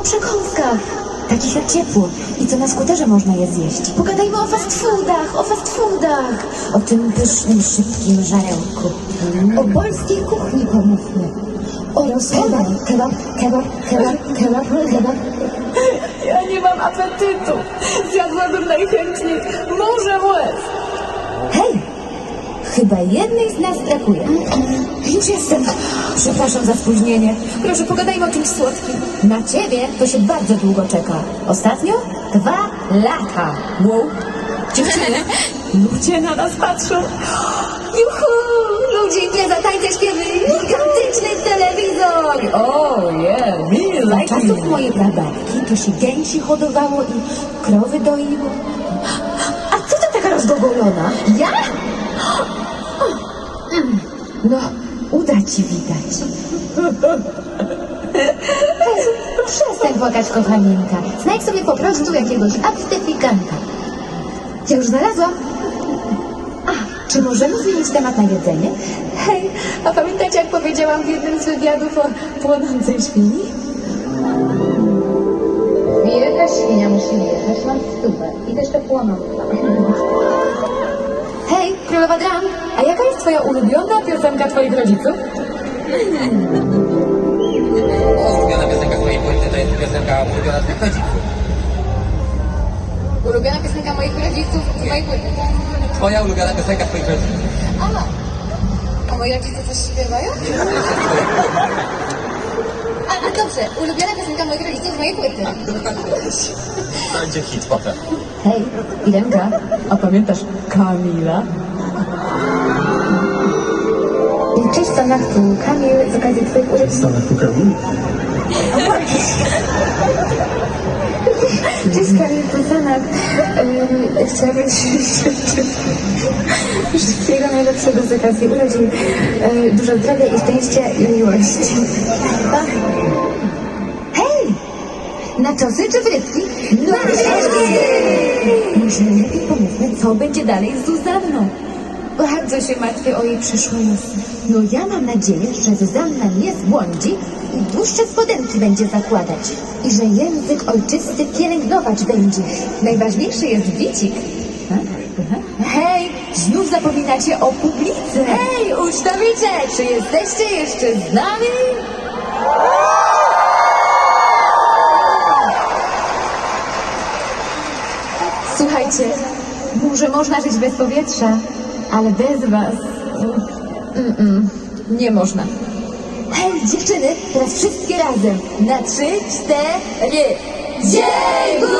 przekąskach. Takich jak ciepło i co na skuterze można je zjeść. Pogadajmy o fast foodach, o fast foodach. O tym pysznym, szybkim żarełku. O polskiej kuchni pomówmy. O rosołach. Kebab, kebab, kebab, kebab, kebab. Ja nie mam apetytu. Zjadłabym najchętniej morze łez. Hej! Chyba jednej z nas brakuje. Już jestem. Przepraszam za spóźnienie. Proszę, pogadajmy o czymś słodkim. Na ciebie to się bardzo długo czeka. Ostatnio 2 lata. Wow. Dziewczyny, ludzie na nas patrzą. Juhu! Ludzie, impreza, tańce, śpiewy. Gigantyczny telewizor. Oh yeah, me like it. Za czasów mojej prababki to się gęsi hodowało i krowy doiło. A co to taka rozgogolona? Ja? No, uda ci widać. Hej, przestań płakać, kochaninka. Znajdź sobie po prostu jakiegoś abstyfikanta. Ja już znalazłam. A, czy możemy zmienić temat na jedzenie? Hej, a pamiętacie, jak powiedziałam w jednym z wywiadów o płonącej świni? Wielka świnia musi jechać, mam 100 i też to płonąca. Hej, królowa dram, a jaka jest twoja ulubiona piosenka twoich rodziców? Ulubiona piosenka z mojej płyty to jest piosenka ulubiona z moich rodziców. Ulubiona piosenka moich rodziców z mojej płyty. Twoja ulubiona piosenka twoich rodziców. A moi rodzice coś śpiewają? A dobrze, ulubiona piosenka moich rodziców z mojej płyty. To będzie hit potem. Hej, Irenka, a pamiętasz Kamila? Cześć Stanach, tu Kamil z okazji twoich urodzin. Stanach tu Kamil? Cześć Kamil, tu Stanach. Chciałabym ci życzyć wszystkiego najlepszego z okazji urodzin. Dużo zdrowia i szczęścia i miłości. Hej! Naczosy czy frytki? No może lepiej pomówmy, co będzie dalej z Zuzanną. Bardzo się martwię o jej przyszłe losy. No ja mam nadzieję, że Zuzanna nie zbłądzi i dłuższe spodenki będzie zakładać. I że język ojczysty pielęgnować będzie. Najważniejszy jest bicik. Hej, znów zapominacie o publice. Hej, ucztowicze, czy jesteście jeszcze z nami? Słuchajcie, może można żyć bez powietrza, ale bez was nie można. Hej, dziewczyny, teraz wszystkie razem. Na 3, 4. Dzień